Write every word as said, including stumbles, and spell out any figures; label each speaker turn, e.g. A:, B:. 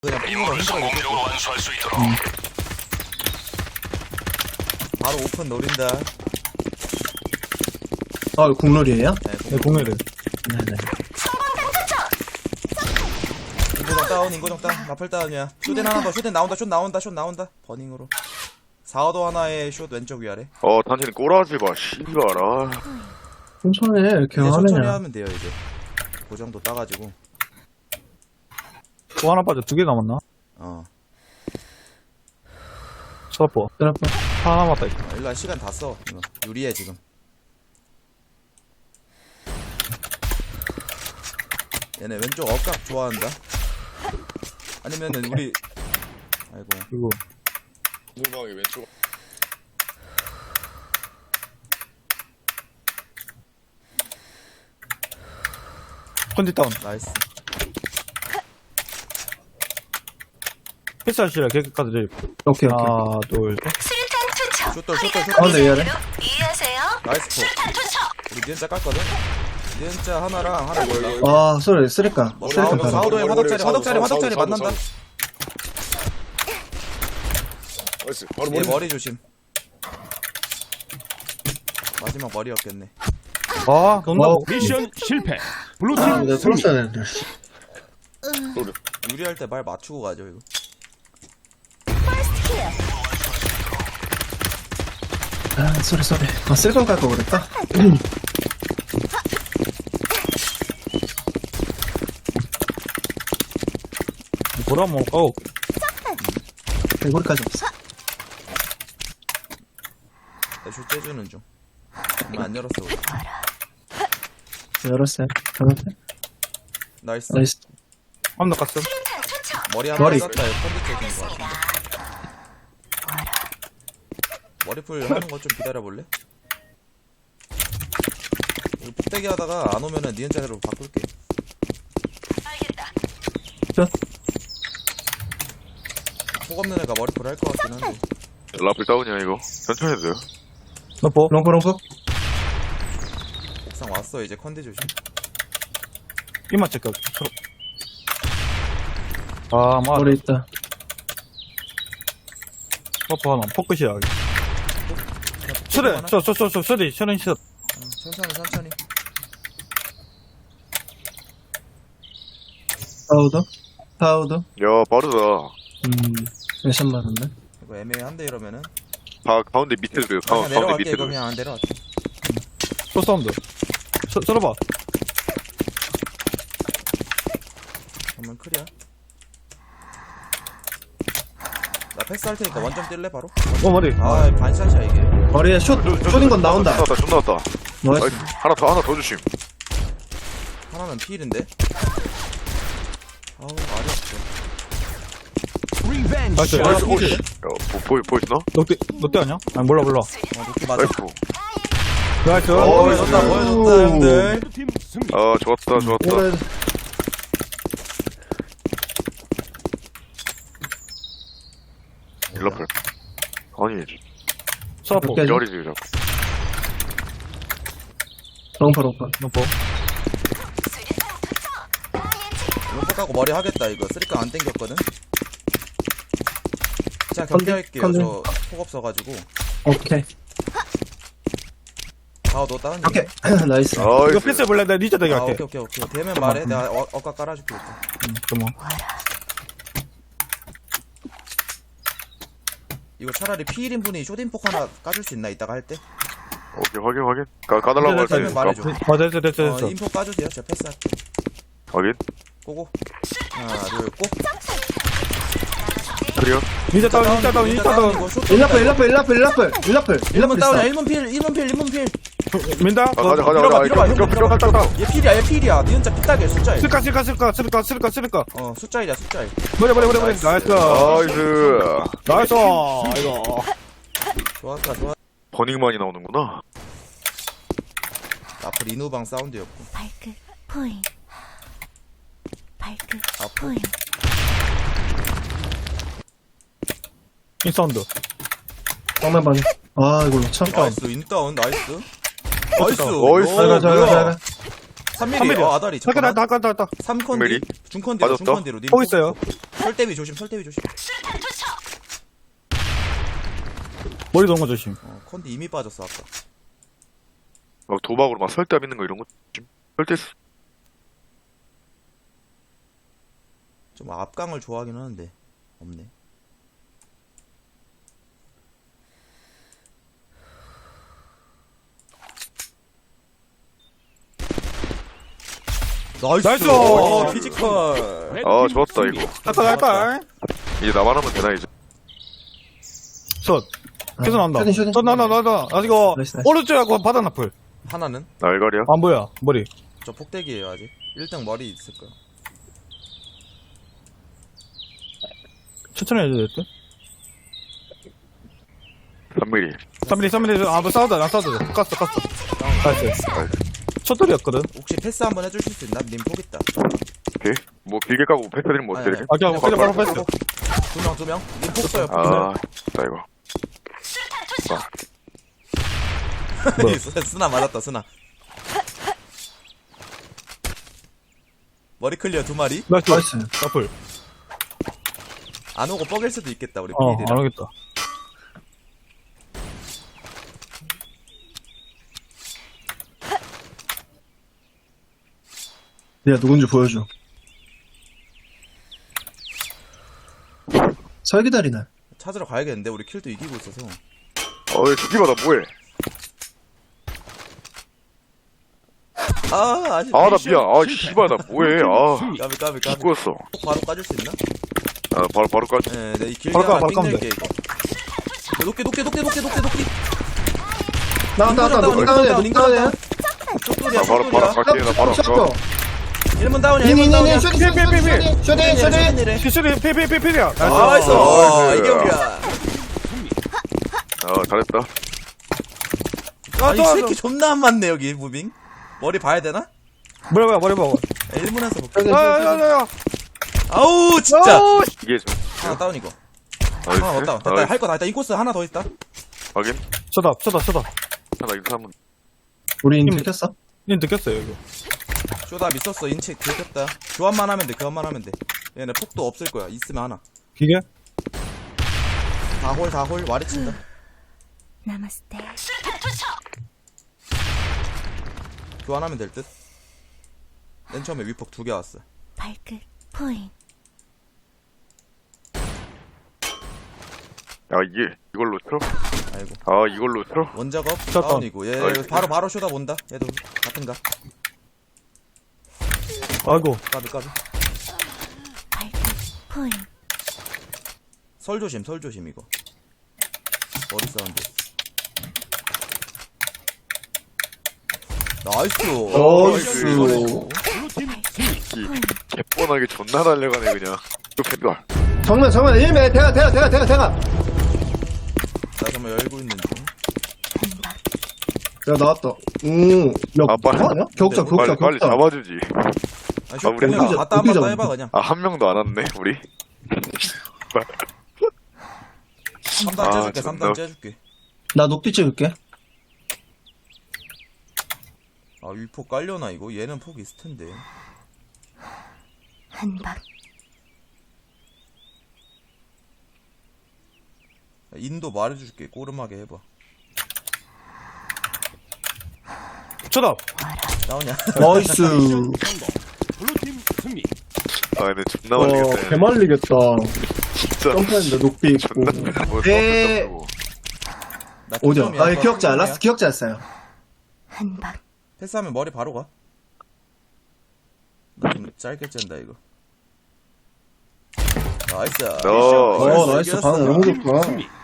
A: 그냥 삥으로 흔들어
B: 완수할 수 있도록.
A: 음. 바로 오픈 노린다.
C: 아, 이거 국룰이에요?
A: 네,
D: 네, 공유를.
C: 네네.
A: 인고정 다운, 인고정 다운, 마플 다운이야. 쇼덴 하나 더, 쇼덴 나온다, 숏 나온다, 숏 나온다. 버닝으로. 사호도 하나에 숏 왼쪽 위아래.
B: 어, 당신은 꼬라지 마, 씨발. 아.
C: 천천히 해, 이렇게
A: 이제 천천히
C: 하면.
A: 하면 돼요, 이제. 그 정도 따가지고.
D: 또 하나 빠져. 두 개 남았나?
A: 어.
D: 쳐다보.
C: 그래봐.
D: 하나 남았다, 이거.
A: 어, 일단 시간 다 써. 이거. 유리해, 지금. 얘네 왼쪽 억각 좋아한다. 아니면은 우리. 아이고.
D: 이거.
B: 물방이 왼쪽.
D: 컨디 다운.
A: 나이스.
D: 패스하시라, 개까지 저기.
C: 오케이, 오케이.
D: 하나, 둘, 셋.
E: 수류탄 투척.
A: 숏돌, 숏돌, 숏돌.
C: 가운데 위아래.
E: 이해하세요?
A: 나이스 포.
E: 수류탄 투척.
A: 우리 니은자 깠거든? 니은자 하나랑 하나 몰라.
C: 아, 소리, 쓰리까.
A: 뭐,
C: 쓰리까
A: 사우도,
C: 가자.
A: 사우도에 화덕자리, 화덕자리,
B: 사우도,
A: 화덕자리
B: 사우도,
A: 만난다.
B: 나이스. 바로
A: 얘
B: 머리.
A: 머리 조심. 마지막 머리였겠네.
D: 아, 돈다고.
C: 어,
F: 미션 실패.
C: 아,
F: 블루팀
C: 내가
F: 승리.
C: 풀었어야 되는데, 씨.
A: 유리할 때 말 맞추고 가죠, 이거.
E: 퍼스트 킬.
C: 아, 소리, 소리. 아, 쓸건 깔걸 그랬다?
D: 보라 한번 까고.
C: 개구리까지 없어.
A: 애쇼 째주는 중. 얼마 안 열었어, 우리.
C: 열었어요. 가는데?
A: 나이스.
C: 나이스.
D: 한번 더 깠음.
E: 수류탄 투척.
A: 머리 하나
C: 머리.
A: 쐈다, 이거 컨디 쪽인 거 같은데. 머리풀 하는 거 좀 기다려볼래? 이거 폭대기 하다가 안 오면은 니은자로 바꿀게.
E: 알겠다.
A: 폭 없는 애가 머리풀 할 것 같긴 한데.
B: 라플 다운이야, 이거. 천천히 해도 돼요.
D: 너보.
C: 롱프, 롱프.
A: 옥상 왔어, 이제 컨디 조심.
D: 이만 체크. 아, 마.
C: 머리 있다.
D: 버퍼 하나. 포크시야. 수레. 저, 저, 저, 저, 수레. 수레 시
A: 응, 천천히, 천천히.
C: 파우더? 파우더?
B: 야, 빠르다.
C: 음, 몇샷 맞았네.
A: 이거 애매한데, 이러면은.
B: 가, 가운데 밑에 들 가,
A: 그냥
B: 가운데
A: 내려갈게,
B: 밑에
A: 이거
B: 들
A: 그냥 안 내려갈게.
D: 또 사운드. 서, 서러봐.
A: 그러면 클이야. 나 패스할 테니까 원점 뛸래, 바로?
D: 어, 머리.
A: 아, 반샷이야, 이게.
C: 머리에 숏, 숏인 건 나온다.
B: 슛 나왔다, 슛 나왔다.
C: 나이스.
B: 나이스. 하나 더, 하나 더 주심.
A: 하나는 필인데? 아우, 말이 없어.
F: 리벤지.
D: 나이스.
B: 나이스,
D: 아,
B: 오씨.
D: 피지.
B: 야, 보, 보이, 보이시나?
D: 롯데, 롯데 아니야? 아니, 몰라, 몰라.
A: 어, 높게 맞아.
B: 나이스.
D: 나이스.
B: 어,
A: 보여줬다, 보여줬다, 형들.
F: 블루팀 승리.
B: 아, 좋았다, 좋았다.
C: 오래,
B: 라플. 아니,
D: 서러보.
C: 오케이.
B: 저리지, 자꾸.
C: 롱프, 롱프.
D: 너보.
E: 수류탄 투척. 나의 지
A: 롱포 까고 머리 하겠다, 이거. 쓰리깡 안 땡겼거든? 자,
C: 컨디,
A: 경기할게요.
C: 컨디.
A: 저, 폭 없어가지고.
C: 오케이.
A: 아, 너 다운.
C: 오케이. 나이스.
D: 이거
B: 나이스.
D: 패스 볼래? 내가 니자 되게
A: 아,
D: 할게.
A: 오케이, 오케이, 오케이. 되면 말해. 내가 어, 어까 깔아줄게, 일단.
D: 응, 잠깐만.
A: 이거 차라리 피일인 분이 쇼딘폭 하나 까줄 수 있나, 이따가 할 때?
B: 오케이, 확인, 확인. 가, 가달라고 할 때.
A: 되면 말해줘.
D: 어, 됐어, 됐어,
A: 어,
D: 됐어.
A: 인포 까주세요. 제가 패스할게.
B: 확인.
A: 고고. 하나, 둘, 고.
B: 클리어.
D: 니자 다운, 니자 다운, 니자 다운.
A: 이거 쇼
C: 일라플, 일라플, 일라플, 일라플, 일라플.
A: 일문
C: 일라플
A: 다운이야,
C: 있어.
A: 일문 필, 일문 필, 일문 필.
D: 민다?
B: 아, 가자, 가자,
A: 밀어봐,
B: 가자.
A: 밀어봐,
B: 이거,
A: 형,
B: 이거,
A: 밀어봐.
B: 이거, 이거.
A: 얘 필이야, 얘 필이야. 니은자 피딱이야, 숫자일.
D: 쓸까, 쓸까, 쓸까, 쓸까, 쓸까, 쓸까, 쓸까.
A: 어, 숫자일이야, 숫자일.
D: 머리, 머리, 머리, 머리.
A: 나이스.
D: 나이스.
B: 나이스.
D: 나이스. 이거.
A: 좋았다, 좋았다.
B: 버닝만이 나오는구나.
A: 앞으로 인후방 사운드였고.
E: 발끝 포인. 발끝
A: 앞으로.
E: 포인.
D: 인사운드.
C: 정면 방에. 아, 이거 참.
A: 나이스, 인다운, 나이스. 나이스.
B: 나이스.
C: 잘 가, 잘 가, 잘 가.
A: 삼 밀리. 어, 아다리.
D: 잠깐, 나,
A: 잠깐만.
D: 나, 나, 나, 나.
A: 삼 컨디.
B: 밀리?
A: 중컨디로,
B: 맞았다.
A: 중컨디로. 님
D: 보고 있어요.
A: 설대위 조심, 설대위 조심.
D: 머리 도는 거 조심.
A: 어, 컨디 이미 빠졌어 아까.
B: 막 도박으로 막 설대합 있는 거 이런 거 좀. 설대 있어.
A: 좀 앞강을 좋아하긴 하는데 없네. 나이스.
D: 나이스!
A: 어, 피지컬.
B: 아, 좋았다, 이거.
D: 갈까, 갈까?
B: 이제 나만 하면 되나, 이제.
D: 첫. 계속 나온다.
C: 슈팅, 슈팅.
D: 첫, 나, 나, 나, 나. 아, 이거,
C: 나이스, 나이스.
D: 오른쪽하고 바다 나풀.
A: 하나는
B: 날갈이야?
D: 안 보여, 머리.
A: 저 폭대기예요 아직. 일 등 머리 있을 거야.
D: 천천히 해줘야 될 듯?
B: 삼 밀리.
D: 삼 밀리, 삼 밀리, 아, 뭐 싸우자, 나 싸우자. 깠어, 깠어. 나이스. 첫돌이었거든.
A: 혹시 패스 한번 해주실 수 있나? 님 폭 있다.
B: 오케이. 뭐, 길게 까고 패스 드리면 뭐
A: 아니,
B: 어때?
A: 아니.
D: 아, 그냥 그냥 바로 패스.
A: 두 명, 두 명. 님 폭 써요. 폭
B: 아,
A: 써요.
B: 나 이거.
D: 뭐야?
A: 쓰나 맞았다, 쓰나. 머리 클리어 두 마리.
D: 나이스.
C: 나이스.
D: 나풀.
A: 안 오고 뻐길 수도 있겠다, 우리
D: 어,
A: 비일이랑.
D: 안 오겠다.
C: 내가 누군지 보여줘. 설기다리네.
A: 찾으러 가야겠는데, 우리 킬도 이기고 있어서.
B: 어, 왜 죽기마, 나 뭐해?
A: 아, 아직.
B: 아, 나 미안. 아, 씨발, 나 뭐해. 아,
A: 까비, 까비, 까비.
B: 죽었어.
A: 폭 바로 까줄 수 있나?
B: 아, 바로, 바로 까지.
A: 네, 네, 이 길게
D: 바로 까,
A: 하나
D: 바로 까면
A: 삥낼게, 이거. 높게, 높게, 높게, 높게, 높게, 높게.
C: 나왔다, 나왔다.
A: 다운,
C: 녹 다운이야, 녹
A: 인간
C: 다운이야.
A: 쪽돌이야,
B: 아, 바로, 바로
A: 쪽돌이야.
B: 갈게. 나 바로 가.
A: 일 문 다운이야, 일
C: 니니,
A: 문 다운이야.
C: 니니, 슈팅, 슈팅, 슈팅, 슈팅, 슈팅, 슈팅.
A: 슈팅.
D: 시술이 피피피피야.
A: 나이스.
B: 나이스.
A: 아, 이게 우리야.
B: 아, 잘했다.
A: 아니, 이 새끼 존나 안 맞네, 여기, 무빙. 머리 봐야 되나?
D: 머리 봐, 머리 봐.
A: 일 문에서 볼게.
D: 아, 야, 야, 야.
A: 아우, 진짜.
B: 이게 좀.
A: 하나 다운, 이거.
B: 나이스.
A: 하나 없다. 됐다. 할 거 다 했다. 인코스 하나 더 있다.
B: 확인.
D: 쳐다, 쳐다, 쳐다.
B: 나 인사 한번.
C: 우리 인 들켰어?
D: 닌 느꼈어요, 이거.
A: 쇼다 미쳤어. 인치 들켰다. 교환만 하면 돼. 교환만 하면 돼. 얘네 폭도 없을 거야. 있으면 하나.
D: 기계?
A: 다홀 다홀 와리 친다.
E: 나마스테.
A: 교환하면 될 듯. 맨 처음에 위폭 두 개 왔어.
E: 발끝 포인.
B: 야, 이게, 이걸로 틀어?
A: 아이고.
B: 아, 이걸로 틀어?
A: 원작업
D: 쳤다.
A: 다운이고. 얘
B: 아이고.
A: 바로 바로 쇼다 본다. 얘도 같은가.
D: 아이고.
A: 까비 까비.
E: 발끝 포인.
A: 설 조심 설 조심 이거. 머리 사운드. 나이스.
C: 나이스.
B: 이, 개뻔하게 존나 달려가네, 그냥. 또 팬들.
C: 정면, 정면, 일 매, 대가, 대가, 대가, 대가, 대가.
A: 나 정말 열고 있는 중.
C: 야, 나왔다. 오, 야,
B: 아, 빨리.
C: 뭐 하냐? 격자,
A: 근데
C: 격자,
B: 빨리, 빨리
C: 격자.
B: 잡아주지.
A: 아니 쇼
B: 우리
A: 그냥
C: 어디자-
A: 갔다 한번
C: 어디자-
A: 더 해봐 그냥.
B: 아, 한 명도 안 왔네, 우리.
A: 삼 단
B: 아,
A: 째줄게.
B: 존나.
A: 삼 단 째줄게.
C: 나 녹디 찍을게.
A: 아 위폭 깔려나 이거? 얘는 폭 있을 텐데.
E: 한박.
A: 인도 말해줄게. 꼬름하게 해봐.
D: 쳐다.
A: 나오냐?
C: 나이스.
B: 아, 근데 존나
C: 와,
B: 말리겠다.
C: 개말리겠다.
B: 진짜.
C: 점프했는데 녹디 있고.
B: 존나. 뭐,
C: 에.
B: 뭐,
A: 나
C: 오죠.
A: 득점이야.
C: 아, 기억자,
A: 득점이야.
C: 라스트 기억자였어요.
E: 한박.
A: 패스하면 머리 바로 가. 나 좀 짧게 짠다 이거. 나이스.
B: 어,
C: 어, 나이스. 반응 너무 좋다.